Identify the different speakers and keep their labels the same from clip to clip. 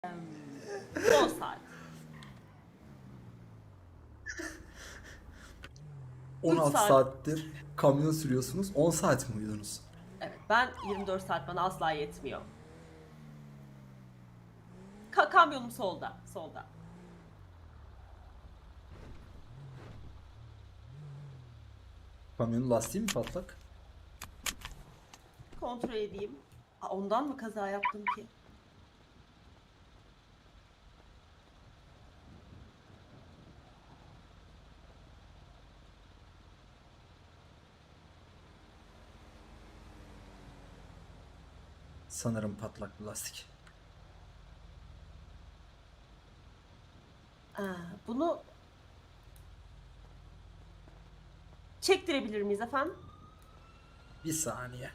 Speaker 1: 10 saat. 3
Speaker 2: 16
Speaker 1: saat.
Speaker 2: saattir kamyon sürüyorsunuz. 10 saat mi uyudunuz?
Speaker 1: Evet, ben 24 saat bana asla yetmiyor. Kamyonum solda, solda.
Speaker 2: Kamyonun lastiği mi patlak?
Speaker 1: Kontrol edeyim. Ondan mı kaza yaptım ki?
Speaker 2: Sanırım patlak bir lastik.
Speaker 1: Bunu çektirebilir miyiz efendim?
Speaker 2: Bir saniye.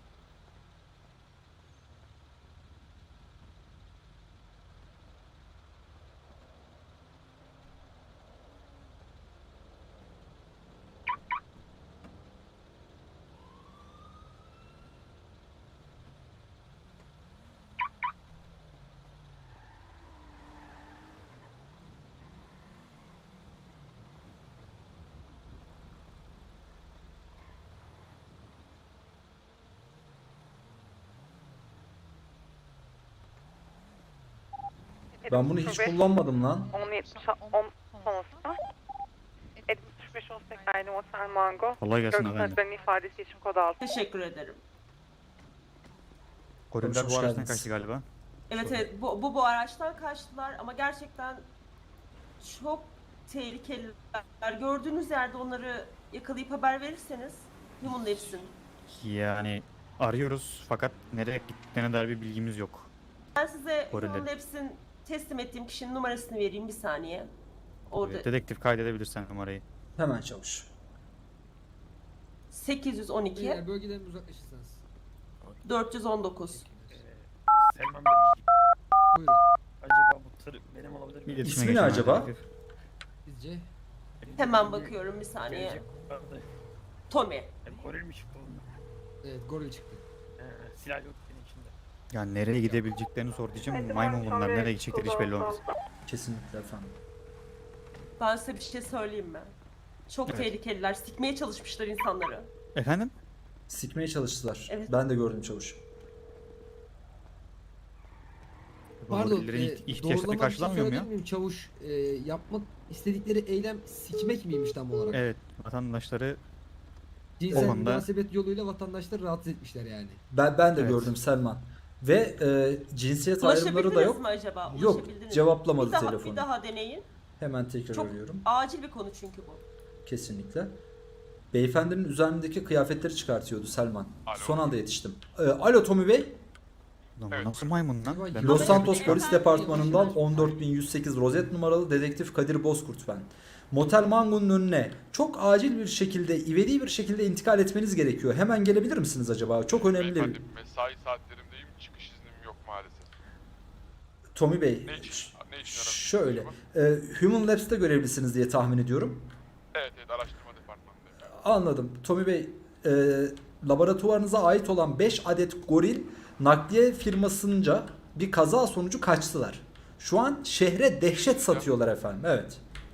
Speaker 2: Ben bunu hiç kullanmadım lan.
Speaker 3: 10 sonrasında 75 18 aynı Otel Mango.
Speaker 4: Kolay gelsin
Speaker 3: Görgü
Speaker 4: efendim.
Speaker 3: sanatlarının ifadesi için kod 6.
Speaker 1: Teşekkür ederim.
Speaker 4: Goriller
Speaker 2: Hoş
Speaker 4: bu araçtan
Speaker 2: geldiniz.
Speaker 4: kaçtı galiba.
Speaker 1: Evet evet bu araçtan kaçtılar ama gerçekten çok tehlikeliler. Gördüğünüz yerde onları yakalayıp haber verirseniz Human Labs'in.
Speaker 4: Yani arıyoruz fakat nereye gittiklerine dair bir bilgimiz yok.
Speaker 1: Ben size
Speaker 4: Goriller.
Speaker 1: Human Labs'in teslim ettiğim kişinin numarasını vereyim bir saniye. Orada
Speaker 4: Dedektif kaydedebilirsen numarayı.
Speaker 2: Hemen çavuş.
Speaker 1: 812
Speaker 5: Bölgeden uzaklaşırsanız.
Speaker 1: 419.
Speaker 6: Selman Bey,
Speaker 5: Buyurun.
Speaker 6: acaba bu tır benim olabilir mi?
Speaker 4: İletişime
Speaker 2: İsmi ne
Speaker 4: geçelim
Speaker 2: acaba?
Speaker 4: dedektif.
Speaker 5: Bizce
Speaker 1: Hemen bakıyorum bir saniye.
Speaker 6: Gelecek vardı.
Speaker 1: Tommy.
Speaker 6: Goril mi çıktı bunun?
Speaker 5: evet goril çıktı.
Speaker 6: Silah yok senin içinde.
Speaker 4: Yani nereye gidebileceklerini sor diyeceğim. Maymun bunlar. Nereye gidecekleri hiç belli olmaz.
Speaker 2: Kesinlikle efendim.
Speaker 1: Ben size bir şey söyleyeyim mi? Çok
Speaker 4: Evet.
Speaker 1: tehlikeliler. Sikmeye çalışmışlar insanları.
Speaker 4: Efendim?
Speaker 2: Sikmeye çalıştılar.
Speaker 1: Evet.
Speaker 2: Ben de gördüm çavuş.
Speaker 4: Bu
Speaker 5: Pardon,
Speaker 4: gorillerin ihtiyaçları
Speaker 5: doğrulama bir şey
Speaker 4: karşılanmıyor mu ya?
Speaker 5: söyleyebilir miyim çavuş? Yapmak istedikleri eylem sikmek miymiş tam olarak?
Speaker 4: Evet. Vatandaşları
Speaker 5: Cinsel
Speaker 4: o konuda-
Speaker 5: münasebet yoluyla vatandaşları rahatsız etmişler yani.
Speaker 2: Ben de
Speaker 4: Evet.
Speaker 2: gördüm Selman. Ve cinsiyet ayrımları da
Speaker 1: Ulaşabildiniz
Speaker 2: yok.
Speaker 1: mi acaba?
Speaker 2: Yok,
Speaker 1: Ulaşabildiniz mi?
Speaker 2: cevaplamadı telefonu.
Speaker 1: Bir daha deneyin.
Speaker 2: Hemen tekrar
Speaker 1: Çok
Speaker 2: arıyorum.
Speaker 1: acil bir konu çünkü bu.
Speaker 2: Kesinlikle. Beyefendinin üzerindeki kıyafetleri çıkartıyordu Selman. Son anda yetiştim. Alo Tommy Bey.
Speaker 4: Lan bu nasıl maymun lan? Ben
Speaker 2: Los
Speaker 1: Ama
Speaker 2: Santos
Speaker 1: efendim,
Speaker 2: Polis Departmanı'ndan
Speaker 1: efendim.
Speaker 2: 14108 rozet numaralı dedektif Kadir Bozkurt ben. Motel Mango'nun önüne çok acil bir şekilde, ivedi bir şekilde intikal etmeniz gerekiyor. Hemen gelebilir misiniz acaba? Çok önemli.
Speaker 7: Beyefendi, mesai saatlerimdeyim, çıkış iznim yok maalesef.
Speaker 2: Tommy Bey,
Speaker 7: Ne için aramışsınız
Speaker 2: şöyle,
Speaker 7: acaba?
Speaker 2: Human Labs'te görevlisiniz diye tahmin ediyorum.
Speaker 7: Evet, araştırma departmanındayım.
Speaker 2: Anladım. Tommy Bey, laboratuvarınıza ait olan 5 adet goril nakliye firmasınca bir kaza sonucu kaçtılar. Şu an şehre dehşet satıyorlar efendim. Evet.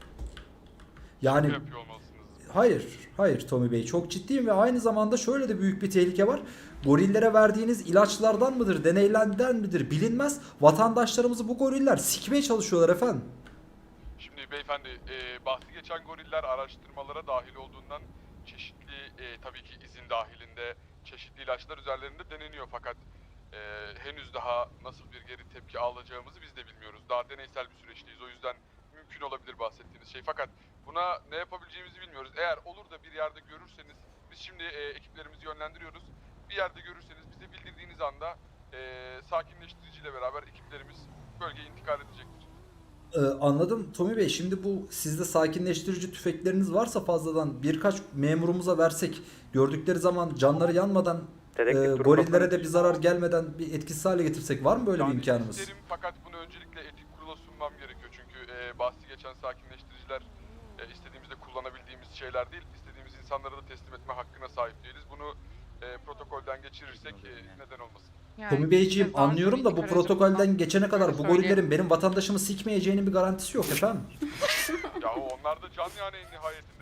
Speaker 2: Yani
Speaker 7: Ne yapıyor olmalısınız?
Speaker 2: hayır Tommy Bey, çok ciddiyim ve aynı zamanda şöyle de büyük bir tehlike var. Gorillere verdiğiniz ilaçlardan mıdır, deneylerden midir bilinmez. Vatandaşlarımızı bu goriller sikmeye çalışıyorlar efendim.
Speaker 7: Şimdi beyefendi, bahsi geçen goriller araştırmalara dahil olduğundan çeşitli, tabii ki izin dahilinde çeşitli ilaçlar üzerlerinde deneniyor fakat henüz daha nasıl bir geri tepki alacağımızı biz de bilmiyoruz. Daha deneysel bir süreçteyiz, o yüzden mümkün olabilir bahsettiğiniz şey fakat buna ne yapabileceğimizi bilmiyoruz. Eğer olur da bir yerde görürseniz, biz şimdi ekiplerimizi yönlendiriyoruz. Bir yerde görürseniz bize bildirdiğiniz anda sakinleştiriciyle beraber ekiplerimiz bölgeye intikal edecektir.
Speaker 2: Anladım Tommy Bey. Şimdi bu sizde sakinleştirici tüfekleriniz varsa fazladan birkaç memurumuza versek, gördükleri zaman canları yanmadan gorillere de bir zarar gelmeden bir etkisiz hale getirsek, var mı böyle bir
Speaker 7: Yani
Speaker 2: imkanımız?
Speaker 7: isterim fakat bunu öncelikle etik kurula sunmam gerekiyor çünkü bahsi geçen sakinleştiriciler istediğimizde kullanabildiğimiz şeyler değil, istediğimiz insanlara da teslim etme hakkına sahip değiliz. Bunu protokolden geçirirsek neden olmasın.
Speaker 3: Yani
Speaker 2: Tomi Beyciğim
Speaker 3: cezası
Speaker 2: anlıyorum da bu
Speaker 3: minik
Speaker 2: protokolden
Speaker 3: aracımdan.
Speaker 2: geçene kadar
Speaker 3: Öyle
Speaker 2: bu
Speaker 3: söyleyeyim.
Speaker 2: gorillerin benim vatandaşımı sikmeyeceğinin bir garantisi yok efendim.
Speaker 7: Ya onlar da can yani en nihayetinde.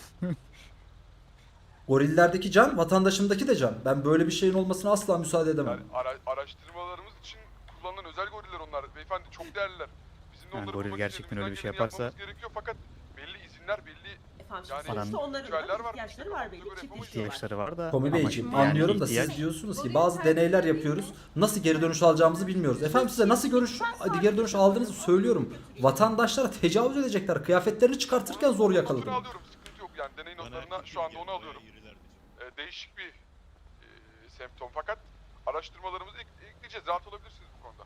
Speaker 2: Gorillerdeki can, vatandaşımdaki de can. Ben böyle bir şeyin olmasına asla müsaade edemem.
Speaker 7: Yani araştırmalarımız için kullanılan özel goriller onlar. Beyefendi çok değerliler. Bizim de
Speaker 4: Yani
Speaker 7: onları
Speaker 4: goril
Speaker 7: bulmak
Speaker 4: gerçekten
Speaker 7: için
Speaker 4: öyle bir şey
Speaker 7: elimizden
Speaker 4: yaparsa-
Speaker 7: geleni yapmamız gerekiyor fakat belli izinler, belli
Speaker 1: Efendim
Speaker 7: Yani
Speaker 1: şimdi sonuçta onların
Speaker 7: ritüeller
Speaker 1: da
Speaker 7: var.
Speaker 1: ihtiyaçları var belli.
Speaker 7: Böyle
Speaker 1: Çiftleşiyorlar.
Speaker 4: İhtiyaçları var da.
Speaker 2: Tomi
Speaker 4: ama
Speaker 2: Beyciğim
Speaker 4: yani
Speaker 2: anlıyorum da
Speaker 4: ihtiyaç-
Speaker 2: siz diyorsunuz ki bazı deneyler yapıyoruz. Nasıl geri dönüş alacağımızı bilmiyoruz. Efendim size nasıl geri dönüş aldığınızı söylüyorum. Vatandaşlara tecavüz edecekler. Kıyafetlerini çıkartırken zor yakaladım.
Speaker 7: Notunu alıyorum, sıkıntı yok yani deney notlarına şu anda onu alıyorum. Değişik bir semptom fakat araştırmalarımızı ekleyeceğiz. Rahat olabilirsiniz bu konuda.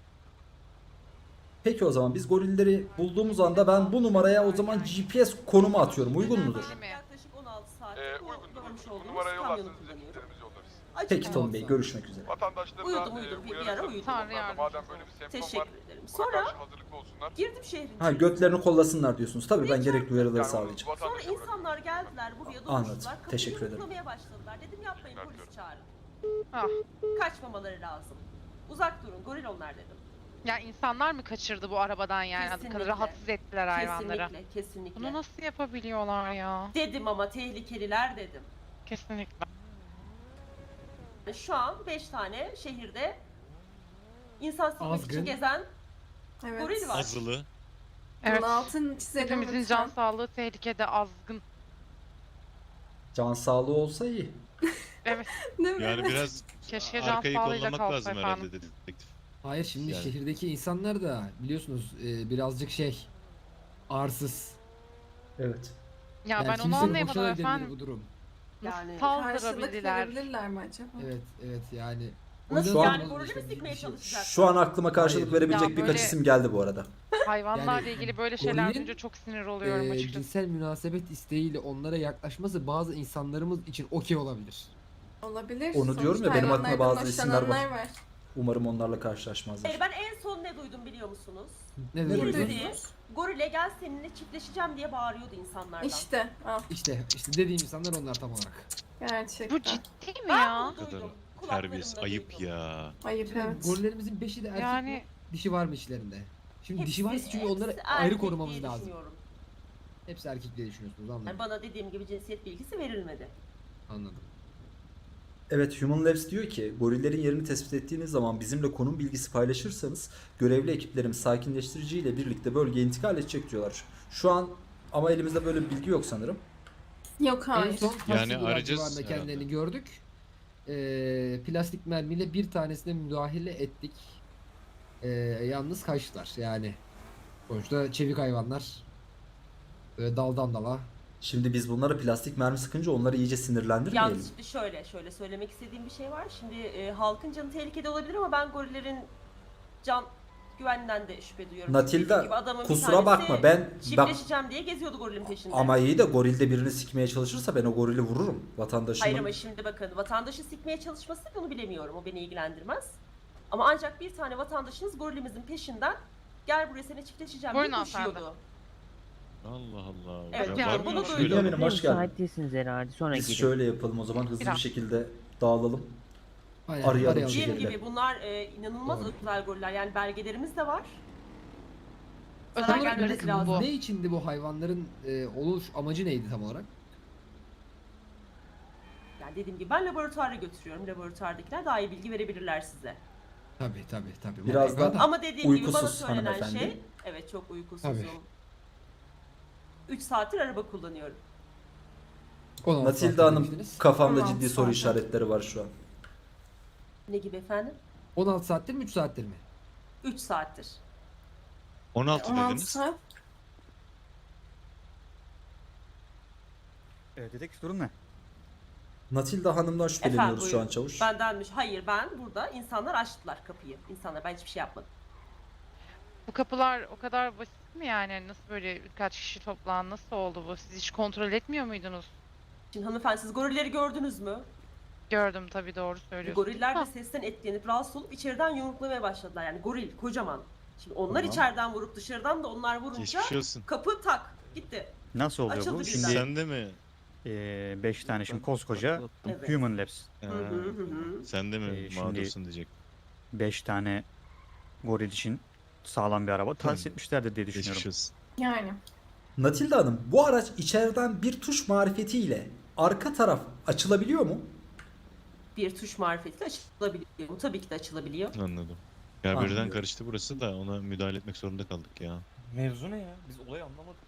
Speaker 2: Peki o zaman biz gorilleri bulduğumuz anda ben bu numaraya o zaman GPS konumu atıyorum. Uygun mudur?
Speaker 1: Yaklaşık 16 saat
Speaker 7: Uygundur.
Speaker 1: görmüş
Speaker 7: Bu
Speaker 1: olduğumuz
Speaker 7: numaraya
Speaker 1: kamyonu
Speaker 7: yollarsanız biz
Speaker 1: kullanıyorum.
Speaker 7: ekiplerimizi yollarız.
Speaker 1: Açık
Speaker 2: Peki Tomi
Speaker 1: olsun.
Speaker 2: Bey görüşmek üzere.
Speaker 7: Vatandaşlara da
Speaker 1: Uyudum, bir ara
Speaker 7: uyarı
Speaker 1: uyudum.
Speaker 3: Tanrı
Speaker 7: onlar da madem böyle bir semptom var
Speaker 1: Teşekkür ederim.
Speaker 7: buna
Speaker 1: Sonra
Speaker 7: karşı hazırlıklı olsunlar.
Speaker 1: girdim şehrin
Speaker 2: Ha
Speaker 1: içine.
Speaker 2: götlerini kollasınlar diyorsunuz. Tabii ben gerekli uyarıları
Speaker 7: Yani onu
Speaker 2: sağlayacağım.
Speaker 1: Sonra
Speaker 7: vatandaşa bırakın.
Speaker 1: insanlar geldiler buraya
Speaker 2: Anladım.
Speaker 1: doluştular. Kapıyı
Speaker 2: Teşekkür ederim.
Speaker 1: yumruklamaya başladılar. Dedim yapmayın
Speaker 7: Teşekkür
Speaker 1: polis çağırın.
Speaker 3: Ah.
Speaker 1: Kaçmamaları lazım. Uzak durun goril onlar dedim.
Speaker 3: Ya insanlar mı kaçırdı bu arabadan yani? Bu
Speaker 1: Kesinlikle.
Speaker 3: kadar rahatsız ettiler hayvanları.
Speaker 1: Kesinlikle, kesinlikle.
Speaker 3: Bunu nasıl yapabiliyorlar ya?
Speaker 1: Dedim ama tehlikeliler dedim.
Speaker 3: Kesinlikle.
Speaker 1: Şu an 5 tane şehirde insan silmek
Speaker 5: Azgın.
Speaker 1: için gezen
Speaker 8: Evet.
Speaker 1: goril var.
Speaker 9: Azılı.
Speaker 3: Evet.
Speaker 8: Bunun altını çizelim
Speaker 3: Hepimizin
Speaker 8: lütfen.
Speaker 3: can sağlığı tehlikede, azgın.
Speaker 2: Can sağlığı olsa iyi.
Speaker 3: Evet.
Speaker 8: Değil mi?
Speaker 9: Yani biraz
Speaker 3: Keşke can
Speaker 9: arkayı
Speaker 3: sağlığıyla
Speaker 9: kollamak
Speaker 3: kalsa
Speaker 9: lazım
Speaker 3: efendim.
Speaker 9: herhalde dedektif.
Speaker 5: Hayır şimdi
Speaker 9: Yani.
Speaker 5: şehirdeki insanlar da biliyorsunuz birazcık arsız.
Speaker 2: Evet.
Speaker 3: Ya
Speaker 5: Yani
Speaker 3: ben onu
Speaker 5: kimsenin
Speaker 3: anlayamadım
Speaker 5: hoşuna gidebilir
Speaker 3: efendim.
Speaker 5: bu durum.
Speaker 1: Yani
Speaker 3: Nasıl
Speaker 8: Karşılık
Speaker 3: saldırabilirler?
Speaker 8: verebilirler mi acaba?
Speaker 5: Evet yani.
Speaker 1: nasıl
Speaker 2: Şu an-
Speaker 1: yani gorili mi sikmeye çalışacaklar?
Speaker 2: Şu an aklıma karşılık
Speaker 5: Hayır.
Speaker 2: verebilecek
Speaker 3: Ya
Speaker 2: birkaç
Speaker 3: böyle-
Speaker 2: isim geldi bu arada.
Speaker 3: Hayvanlarla
Speaker 5: Yani
Speaker 3: ilgili böyle şeyler
Speaker 5: gorilin,
Speaker 3: duyunca çok sinir oluyorum açıkçası.
Speaker 5: cinsel münasebet isteğiyle onlara yaklaşması bazı insanlarımız için okey olabilir.
Speaker 8: Olabilir.
Speaker 2: Onu diyorum ya,
Speaker 8: Sonuçta
Speaker 2: benim aklıma
Speaker 8: hayvanlardan
Speaker 2: bazı isimler var.
Speaker 8: hoşlananlar
Speaker 2: Umarım onlarla karşılaşmazlar.
Speaker 1: Hayır, ben en son ne duydum biliyor musunuz?
Speaker 5: Ne
Speaker 2: Ne
Speaker 1: Bir
Speaker 5: demek?
Speaker 2: duydun?
Speaker 1: dedi, gorile gel seninle çiftleşeceğim diye bağırıyordu insanlardan.
Speaker 8: İşte. Al.
Speaker 5: İşte dediğim insanlar onlar tam olarak.
Speaker 8: Gerçekten.
Speaker 3: Bu ciddi mi
Speaker 1: Ben
Speaker 3: ya?
Speaker 1: bunu
Speaker 9: Ne kadar
Speaker 1: duydum.
Speaker 9: terbiyesiz,
Speaker 1: kulaklarımda
Speaker 9: ayıp
Speaker 1: duydum.
Speaker 9: ya.
Speaker 8: Ayıp evet.
Speaker 5: Gorillerimizin 5'i de erkek
Speaker 3: Yani-
Speaker 5: mi? Dişi var mı içlerinde? Şimdi dişi varsa çünkü
Speaker 1: hepsi
Speaker 5: onları
Speaker 1: erkek
Speaker 5: ayrı
Speaker 1: diye
Speaker 5: korumamız lazım.
Speaker 1: düşünüyorum.
Speaker 5: Hepsi erkek diye düşünüyorsunuz anladım.
Speaker 1: Yani bana dediğim gibi cinsiyet bilgisi verilmedi.
Speaker 5: Anladım.
Speaker 2: Evet, Human Labs diyor ki gorillerin yerini tespit ettiğiniz zaman bizimle konum bilgisi paylaşırsanız görevli ekiplerimiz sakinleştirici ile birlikte bölgeye intikal edecek diyorlar. Şu an ama elimizde böyle bir bilgi yok sanırım.
Speaker 8: Yok
Speaker 5: En
Speaker 8: hayır.
Speaker 5: son
Speaker 9: Yani
Speaker 5: yani
Speaker 9: arayacağız
Speaker 5: civarında
Speaker 9: herhalde.
Speaker 5: kendilerini gördük. Plastik mermiyle bir tanesine müdahale ettik. Yalnız kaçtılar yani. Sonuçta çevik hayvanlar. Böyle daldan dala.
Speaker 2: Şimdi biz bunlara plastik mermi sıkınca onları iyice sinirlendirmeyelim.
Speaker 1: Yalnız şimdi şöyle söylemek istediğim bir şey var. Şimdi halkın canı tehlikede olabilir ama ben gorillerin can güveninden de şüphe duyuyorum.
Speaker 2: Natilda,
Speaker 1: Dediğim gibi adamın bir
Speaker 2: kusura
Speaker 1: tanesi
Speaker 2: bakma, ben
Speaker 1: çiftleşeceğim diye geziyordu gorilin peşinde.
Speaker 2: ama iyi de gorilde birini sikmeye çalışırsa ben o gorili vururum
Speaker 1: Hayır
Speaker 2: vatandaşımın.
Speaker 1: ama şimdi bakın vatandaşı sikmeye çalışması onu bilemiyorum. O beni ilgilendirmez. Ama ancak bir tane vatandaşınız gorilimizin peşinden gel buraya seni çiftleşeceğim diye
Speaker 3: Buyurun
Speaker 1: koşuyordu.
Speaker 3: hanımefendi.
Speaker 9: Allah Allah.
Speaker 1: Evet,
Speaker 9: Ya
Speaker 3: yani
Speaker 9: var
Speaker 1: bunu
Speaker 9: mı
Speaker 1: duydum.
Speaker 9: şöyle?
Speaker 2: Bünyamin'im hoş geldin.
Speaker 10: Müsait değilsiniz herhalde. Sonra
Speaker 2: Biz
Speaker 10: gidin.
Speaker 2: şöyle yapalım o zaman hızlı bir
Speaker 3: Biraz.
Speaker 2: şekilde dağılalım.
Speaker 5: Aynen,
Speaker 2: Arayalım
Speaker 5: arayalım.
Speaker 2: şey.
Speaker 1: Dediğim
Speaker 2: şekilde.
Speaker 1: gibi bunlar inanılmaz
Speaker 5: Doğru.
Speaker 1: özel goriller. Yani belgelerimiz de var.
Speaker 3: Özel
Speaker 1: Zarar
Speaker 3: gelmesi
Speaker 1: gelmesi lazım.
Speaker 3: bu.
Speaker 5: Ne içindi bu hayvanların oluş amacı neydi tam olarak?
Speaker 1: Yani dediğim gibi ben laboratuvara götürüyorum. Laboratuvardakiler daha iyi bilgi verebilirler size.
Speaker 5: Tabii.
Speaker 2: Biraz
Speaker 5: mutlaka
Speaker 2: da-
Speaker 1: Ama dediğim gibi bana
Speaker 2: Uykusuz
Speaker 1: söylenen
Speaker 2: hanımefendi.
Speaker 1: şey, evet çok uykusuzum.
Speaker 5: Tabii.
Speaker 1: 3 saattir araba kullanıyorum.
Speaker 5: 16
Speaker 2: Natilda
Speaker 5: saatte
Speaker 2: Hanım
Speaker 5: demiştiniz.
Speaker 2: kafamda
Speaker 8: 16
Speaker 2: ciddi soru
Speaker 8: saat.
Speaker 2: işaretleri var şu an.
Speaker 1: Ne gibi efendim?
Speaker 5: 16 saattir mi 3 saattir mi?
Speaker 1: 3 saattir.
Speaker 9: 16
Speaker 8: 16
Speaker 9: dediniz.
Speaker 8: saat.
Speaker 4: Dedektif durum ne?
Speaker 2: Natilda Hanım'dan şüpheleniyoruz
Speaker 1: Efendim,
Speaker 2: şu an
Speaker 1: buyurun.
Speaker 2: çavuş.
Speaker 1: Bendenmiş. Hayır ben burada insanlar açtılar kapıyı. İnsanlar ben hiçbir şey yapmadım.
Speaker 3: Bu kapılar o kadar basit mi yani? Nasıl böyle birkaç kişi toplan nasıl oldu bu? Siz hiç kontrol etmiyor muydunuz?
Speaker 1: Şimdi hanımefendi siz gorilleri gördünüz mü?
Speaker 3: Gördüm tabii doğru söylüyorsun.
Speaker 1: Goriller de
Speaker 3: Ha.
Speaker 1: sesten etkilenip rahatsız olup içeriden yumruklamaya başladılar. Yani goril kocaman. Şimdi onlar
Speaker 2: Tamam.
Speaker 1: içeriden vurup dışarıdan da onlar vurunca
Speaker 9: Geçmiş olsun.
Speaker 1: kapı tak gitti.
Speaker 4: Nasıl oluyor
Speaker 1: Açıldı
Speaker 4: bu?
Speaker 1: birden.
Speaker 4: Şimdi
Speaker 9: Sen de mi?
Speaker 4: 5 tane şimdi koskoca
Speaker 1: Evet.
Speaker 4: Human Labs.
Speaker 1: Hı hı hı hı.
Speaker 9: Sen de mi
Speaker 4: Şimdi-
Speaker 9: mağdursun diyecek.
Speaker 4: 5 tane goril için sağlam bir araba tahsis etmişlerdir diye düşünüyorum.
Speaker 9: Geçmiş olsun.
Speaker 8: Yani.
Speaker 2: Natilda Hanım, bu araç içeriden bir tuş marifetiyle arka taraf açılabiliyor mu?
Speaker 1: Bir tuş marifetiyle açılabiliyor mu? Tabii ki de açılabiliyor.
Speaker 9: Anladım. Ya birden
Speaker 2: Anlıyorum.
Speaker 9: karıştı burası da ona müdahale etmek zorunda kaldık ya.
Speaker 6: Mevzu ne ya? Biz olayı anlamadık.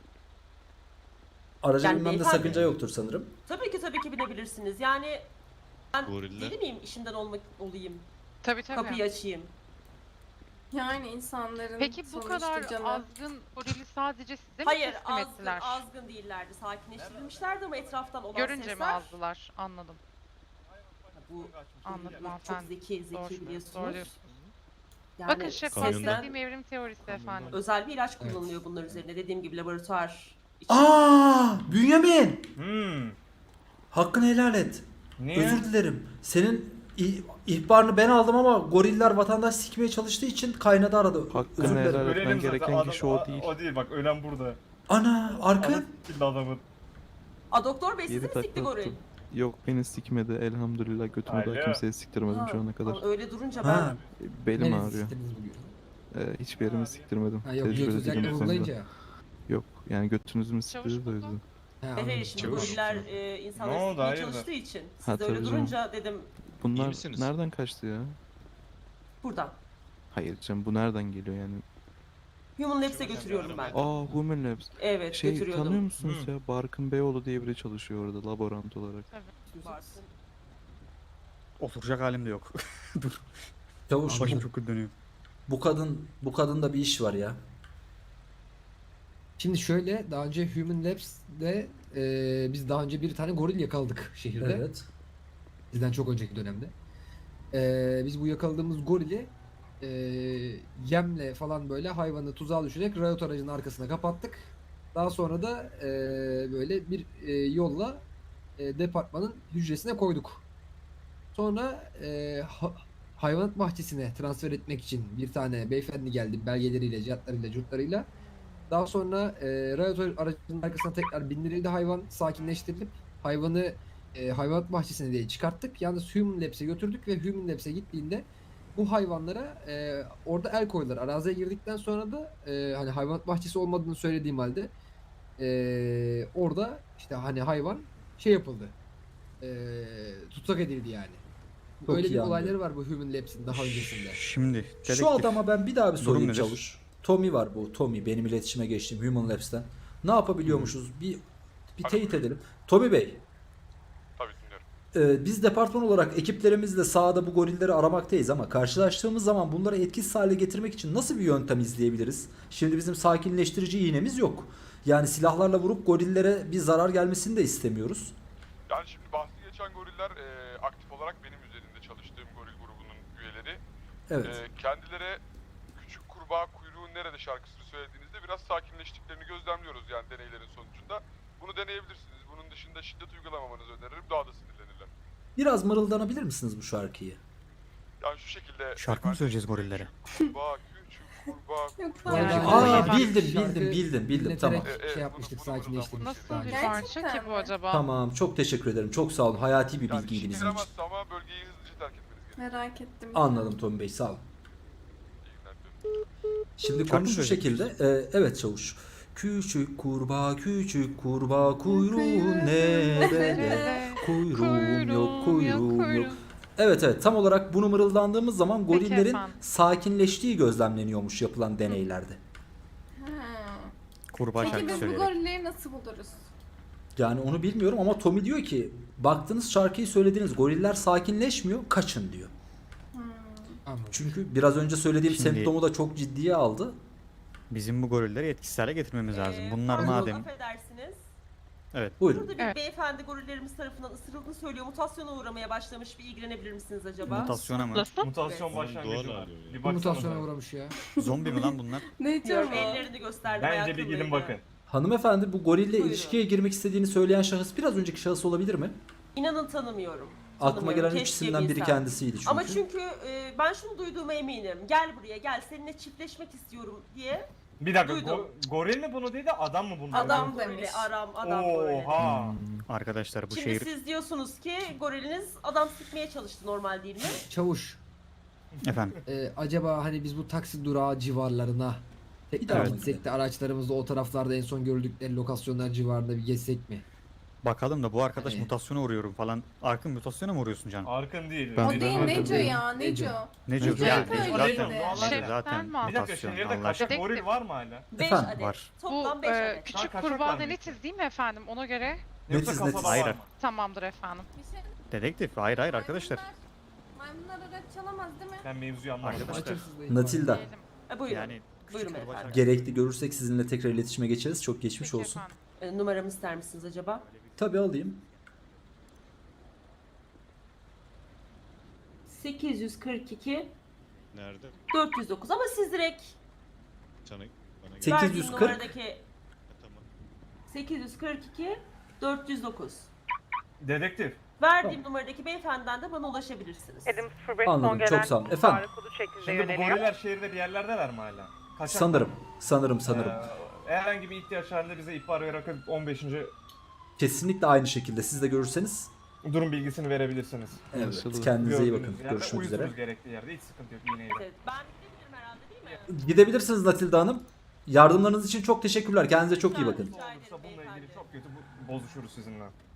Speaker 2: Araca
Speaker 1: Yani
Speaker 2: binmemde
Speaker 1: beyefendi-
Speaker 2: sakınca yoktur sanırım.
Speaker 1: Tabii ki binebilirsiniz. Yani ben
Speaker 9: Goriller.
Speaker 1: deli miyim işimden olayım,
Speaker 3: Tabii tabii.
Speaker 1: kapıyı açayım.
Speaker 8: Yani insanların
Speaker 3: Peki bu
Speaker 8: sonuçta
Speaker 3: kadar
Speaker 8: canı.
Speaker 3: azgın gorili sadece size mi
Speaker 1: Hayır,
Speaker 3: teslim ettiler?
Speaker 1: azgın değillerdi. Sakinleştirilmişlerdi ama etraftan olan
Speaker 3: Görünce mi
Speaker 1: sesler...
Speaker 3: azdılar? Anladım.
Speaker 1: Bu
Speaker 3: Anladım
Speaker 1: çok
Speaker 3: hanımefendi.
Speaker 1: zeki
Speaker 3: Doğru,
Speaker 1: biliyorsunuz.
Speaker 3: doğru diyorsunuz.
Speaker 1: Yani
Speaker 3: Bakın şef
Speaker 9: Kamyonda-
Speaker 3: bahsettiğim evrim teorisi efendim.
Speaker 1: özel bir ilaç
Speaker 5: Evet.
Speaker 1: kullanılıyor bunlar üzerine. Dediğim gibi laboratuvar için.
Speaker 2: Aa, Bünyamin!
Speaker 6: Hmm.
Speaker 2: Hakkını helal et.
Speaker 6: Niye?
Speaker 2: Özür dilerim. Senin ihbarını ben aldım ama goriller vatandaş sikmeye çalıştığı için kaynadı aradı. Özür dilerim.
Speaker 10: helal etmen
Speaker 6: Ölelim zaten.
Speaker 10: gereken kişi o değil.
Speaker 6: O değil bak ölen burada.
Speaker 2: Ana, arka.
Speaker 6: Ana s**tildi adamın.
Speaker 1: A doktor bey sizi
Speaker 10: 7
Speaker 1: mi sikti
Speaker 10: takla
Speaker 1: goril?
Speaker 10: attım. Yok beni sikmedi elhamdülillah götümü
Speaker 6: Alo.
Speaker 10: daha kimseye siktirmedim
Speaker 1: Ha,
Speaker 10: şu ana kadar.
Speaker 1: ama öyle durunca
Speaker 2: Ha.
Speaker 1: ben...
Speaker 10: Belim
Speaker 5: Neresi
Speaker 10: ağrıyor.
Speaker 5: siktiniz bugün?
Speaker 10: Hiçbir yerimi siktirmedim.
Speaker 5: Ha yok
Speaker 10: Tecrübeli
Speaker 5: götürecek
Speaker 10: değilim bu konuda.
Speaker 5: vurgulayınca.
Speaker 10: Yok yani götünüzü mü
Speaker 3: Çavuş
Speaker 10: siktirdi de o
Speaker 3: buldum.
Speaker 10: yüzden.
Speaker 5: He
Speaker 1: Evet,
Speaker 5: anladım.
Speaker 1: şimdi
Speaker 9: Çavuş.
Speaker 1: goriller
Speaker 6: Ne
Speaker 1: insanları
Speaker 6: oldu,
Speaker 1: sikmeye
Speaker 6: hayırdır?
Speaker 1: çalıştığı için. Siz
Speaker 10: Ha,
Speaker 1: de öyle
Speaker 10: tabii canım.
Speaker 1: durunca dedim
Speaker 10: Bunlar
Speaker 9: misiniz?
Speaker 10: nereden kaçtı ya?
Speaker 1: buradan.
Speaker 10: Hayır canım bu nereden geliyor yani?
Speaker 1: Human Labs'e götürüyorum ben.
Speaker 10: Aa Human Labs.
Speaker 1: Evet
Speaker 10: Şey
Speaker 1: götürüyordum.
Speaker 10: tanıyor musunuz ya? Barkın Beyoğlu diye biri çalışıyor orada laborant olarak.
Speaker 1: Varsın.
Speaker 4: Oturacak halim de yok. Dur.
Speaker 2: Çavuş,
Speaker 4: Başım çok kötü dönüyor.
Speaker 2: bu kadında bir iş var ya.
Speaker 5: Şimdi şöyle daha önce Human Labs'de biz daha önce bir tane goril yakaladık şehirde.
Speaker 2: Evet.
Speaker 5: Bizden çok önceki dönemde. Biz bu yakaladığımız gorili yemle falan böyle hayvanı tuzağa düşürerek rayot aracının arkasına kapattık. Daha sonra da böyle bir yolla departmanın hücresine koyduk. Sonra hayvanat bahçesine transfer etmek için bir tane beyefendi geldi belgeleriyle, cihatlarıyla, curtlarıyla. Daha sonra rayot aracının arkasına tekrar bindirildi hayvan, sakinleştirilip hayvanı hayvanat bahçesine diye çıkarttık. Yalnız Human Labs'e götürdük ve Human Labs'e gittiğinde bu hayvanlara orada el koydular. Araziye girdikten sonra da hani hayvanat bahçesi olmadığını söylediğim halde orada işte hani hayvan şey yapıldı. Tutsak edildi yani.
Speaker 2: Çok
Speaker 5: Öyle
Speaker 2: iyi
Speaker 5: bir
Speaker 2: anlıyorum.
Speaker 5: olayları var bu Human Labs'in daha öncesinde.
Speaker 4: Şimdi dedektif.
Speaker 2: Şu adama ben bir daha bir sorayım
Speaker 4: nedir?
Speaker 2: çavuş. Tommy var bu. Tommy benim iletişime geçtiğim Human Labs'ten. Ne yapabiliyormuşuz? Bir teyit edelim. Tommy Bey,
Speaker 7: Tabii dinliyorum.
Speaker 2: biz departman olarak ekiplerimizle sahada bu gorilleri aramaktayız ama karşılaştığımız zaman bunları etkisiz hale getirmek için nasıl bir yöntem izleyebiliriz? Şimdi bizim sakinleştirici iğnemiz yok. Yani silahlarla vurup gorillere bir zarar gelmesini de istemiyoruz.
Speaker 7: Yani şimdi bahsi geçen goriller aktif olarak benim üzerinde çalıştığım goril grubunun üyeleri.
Speaker 2: Evet.
Speaker 7: Kendileri küçük kurbağa kuyruğun nerede şarkısını söylediğinizde biraz sakinleştiklerini gözlemliyoruz yani deneylerin sonucunda. Bunu deneyebilirsiniz. Bunun dışında şiddet uygulamamanızı öneririm. Daha da sinirlenirler.
Speaker 2: Biraz mırıldanabilir misiniz bu şarkıyı?
Speaker 7: Yani şu şekilde...
Speaker 4: Şarkı mı söyleyeceğiz gorillere?
Speaker 7: Kurbağa, küçük kurbağa,
Speaker 8: Yok,
Speaker 7: kuyruğun
Speaker 8: pardon.
Speaker 7: nerede-
Speaker 2: Aa
Speaker 5: Şarkı
Speaker 2: bildim
Speaker 5: dinleterek
Speaker 2: tamam.
Speaker 5: şey yapmıştık, sakinleştirmiştik.
Speaker 3: Nasıl
Speaker 5: daha
Speaker 3: bir
Speaker 5: önce.
Speaker 3: parça ki bu
Speaker 8: mi?
Speaker 3: acaba?
Speaker 2: Tamam, çok teşekkür ederim. Çok sağ olun. Hayati bir
Speaker 7: Yani
Speaker 2: bilgiydi
Speaker 7: işe
Speaker 2: bizim için.
Speaker 7: yaramazsa ama bölgeyi hızlıca terk etmeniz gerekiyor.
Speaker 8: Merak ettim.
Speaker 2: Anladım Tommy Bey, sağ olun.
Speaker 7: İyi günler diliyorum.
Speaker 2: Şimdi
Speaker 4: Şarkı
Speaker 2: konu
Speaker 4: mı
Speaker 2: şu
Speaker 4: söyleyeceksin?
Speaker 2: şekilde. Evet çavuş. Küçük kurbağa kuyruğun nerede? Kuyruğum yok, kuyruğum yok. Evet tam olarak bunu mırıldandığımız zaman
Speaker 3: Peki
Speaker 2: gorillerin
Speaker 3: efendim.
Speaker 2: sakinleştiği gözlemleniyormuş yapılan deneylerde.
Speaker 8: Ha.
Speaker 4: Kurbağa
Speaker 8: Peki
Speaker 4: şarkı
Speaker 8: biz bu
Speaker 4: söyleyerek.
Speaker 8: gorilleri nasıl buluruz?
Speaker 2: Yani onu bilmiyorum ama Tommy diyor ki baktınız şarkıyı söylediğiniz goriller sakinleşmiyor, kaçın diyor.
Speaker 5: Anladım.
Speaker 2: Çünkü biraz önce söylediğim
Speaker 4: Şimdi-
Speaker 2: semptomu da çok ciddiye aldı.
Speaker 4: Bizim bu gorilleri etkisiz hale getirmemiz lazım. Bunlar
Speaker 1: Pardon,
Speaker 4: madem...
Speaker 1: affedersiniz.
Speaker 2: Buyurun.
Speaker 1: Burada bir
Speaker 3: Evet.
Speaker 1: beyefendi gorillerimiz tarafından ısırıldığını söylüyor. Mutasyona uğramaya başlamış. Bir ilgilenebilir misiniz acaba?
Speaker 4: Mutasyona mı?
Speaker 3: Nasıl?
Speaker 6: Mutasyon
Speaker 7: Evet.
Speaker 6: başlangıcı
Speaker 9: Doğal
Speaker 6: var.
Speaker 9: alıyor ya.
Speaker 6: Bir
Speaker 5: Bu
Speaker 6: baksana.
Speaker 5: mutasyona uğramış ya.
Speaker 4: Zombi mi lan bunlar?
Speaker 8: Ne diyor
Speaker 1: Bilmiyorum,
Speaker 8: bu?
Speaker 1: ellerini gösterdi.
Speaker 6: Bence
Speaker 1: bayağı
Speaker 6: bir gidin
Speaker 1: kıllıydı.
Speaker 6: bakın.
Speaker 2: Hanımefendi bu gorille
Speaker 1: Buyurun.
Speaker 2: ilişkiye girmek istediğini söyleyen şahıs biraz önceki şahıs olabilir mi?
Speaker 1: İnanın tanımıyorum.
Speaker 2: Aklıma
Speaker 1: Tanımıyorum.
Speaker 2: gelen üç
Speaker 1: Keşke
Speaker 2: isimden biri
Speaker 1: bilsem.
Speaker 2: kendisiydi çünkü.
Speaker 1: Ama çünkü ben şunu duyduğuma eminim. Gel buraya gel, seninle çiftleşmek istiyorum diye
Speaker 6: Bir dakika
Speaker 1: Duydum.
Speaker 6: goril mi bunu dedi adam mı bunu dedi?
Speaker 8: Adam
Speaker 1: Gorili,
Speaker 8: demiş.
Speaker 1: adam gorili.
Speaker 6: Oha.
Speaker 4: Arkadaşlar bu
Speaker 1: Şimdi
Speaker 4: şehir...
Speaker 1: siz diyorsunuz ki goriliniz adam sıkmaya çalıştı, normal değil mi?
Speaker 5: Çavuş,
Speaker 4: Efendim.
Speaker 5: acaba hani biz bu taksi durağı civarlarına tekrar
Speaker 2: Evet.
Speaker 5: gitsek de araçlarımızla o taraflarda en son gördükleri lokasyonlar civarında bir gezsek mi?
Speaker 4: Bakalım da bu arkadaş
Speaker 5: Hani-
Speaker 4: mutasyona uğruyorum falan. Arkın mutasyona mı uğruyorsun Can?
Speaker 6: Arkın değil.
Speaker 10: Ben-
Speaker 8: O
Speaker 6: Bir
Speaker 8: değil
Speaker 6: de-
Speaker 8: Neco
Speaker 5: değil.
Speaker 8: ya Neco.
Speaker 4: Ne
Speaker 5: Neco
Speaker 4: diyor?
Speaker 8: hep
Speaker 4: Yani
Speaker 8: öyleydi.
Speaker 4: zaten,
Speaker 6: Şeften
Speaker 4: zaten
Speaker 3: mi?
Speaker 6: Bir dakika
Speaker 4: mutasyon.
Speaker 6: şehirde
Speaker 4: Allah
Speaker 6: kaçak
Speaker 4: aşkına.
Speaker 6: goril var mı hala?
Speaker 1: 5
Speaker 2: Efendim?
Speaker 1: adet.
Speaker 4: Var.
Speaker 1: Toplam
Speaker 3: Bu
Speaker 1: 5 adet.
Speaker 3: küçük
Speaker 6: Kaçak
Speaker 3: kurbağa
Speaker 6: var
Speaker 3: da
Speaker 6: mı?
Speaker 3: netiz değil mi efendim? Ona göre
Speaker 6: Yoksa
Speaker 2: Netiz,
Speaker 6: kasada
Speaker 2: netiz.
Speaker 6: var
Speaker 4: Hayır.
Speaker 6: mı?
Speaker 3: tamamdır efendim.
Speaker 8: Bir şey-
Speaker 4: Dedektif. Hayır arkadaşlar.
Speaker 8: Maymunlar araç çalamaz değil mi?
Speaker 6: Ben mevzuyu anlamadım.
Speaker 4: Arkadaşlar.
Speaker 5: Açıksız değil.
Speaker 2: Natilda,
Speaker 3: Diyelim.
Speaker 1: Buyurun.
Speaker 4: Yani
Speaker 1: Buyurun
Speaker 4: küçük kurbağa
Speaker 1: efendim.
Speaker 2: gerekli görürsek sizinle tekrar iletişime geçeriz. Çok geçmiş
Speaker 3: Peki
Speaker 2: olsun.
Speaker 3: efendim.
Speaker 1: Numaramı ister misiniz acaba?
Speaker 2: Tabii alayım.
Speaker 1: 842
Speaker 9: Nerede?
Speaker 1: 409 ama siz direkt
Speaker 9: Sana bana gel.
Speaker 2: 840.
Speaker 1: verdiğim numaradaki
Speaker 9: Tamam.
Speaker 1: 842 409.
Speaker 6: Dedektif.
Speaker 1: Verdiğim numaradaki beyefendiden de bana ulaşabilirsiniz.
Speaker 2: Anladım, çok sağ olun. Efendim,
Speaker 6: Şimdi bu goriller şehirde bir yerlerdeler mi hala? Kaçak
Speaker 2: sanırım.
Speaker 6: herhangi bir ihtiyaç halinde bize ihbar vererek 15.
Speaker 2: Kesinlikle aynı şekilde siz de görürseniz.
Speaker 6: durum bilgisini verebilirsiniz.
Speaker 2: Evet,
Speaker 10: Anlaşıldı.
Speaker 2: kendinize iyi
Speaker 6: Gördüğünüz
Speaker 2: bakın.
Speaker 6: yerde
Speaker 2: Görüşmek üzere.
Speaker 6: uyusunuz gerektiği yerde. Hiç sıkıntı yok iğneyle.
Speaker 1: Evet, ben gidebilirim herhalde değil mi?
Speaker 2: Gidebilirsiniz Natilda Hanım. Yardımlarınız için çok teşekkürler. Kendinize çok iyi bakın.
Speaker 6: Ne olursa bununla ilgili çok kötü bozuşuruz sizinle.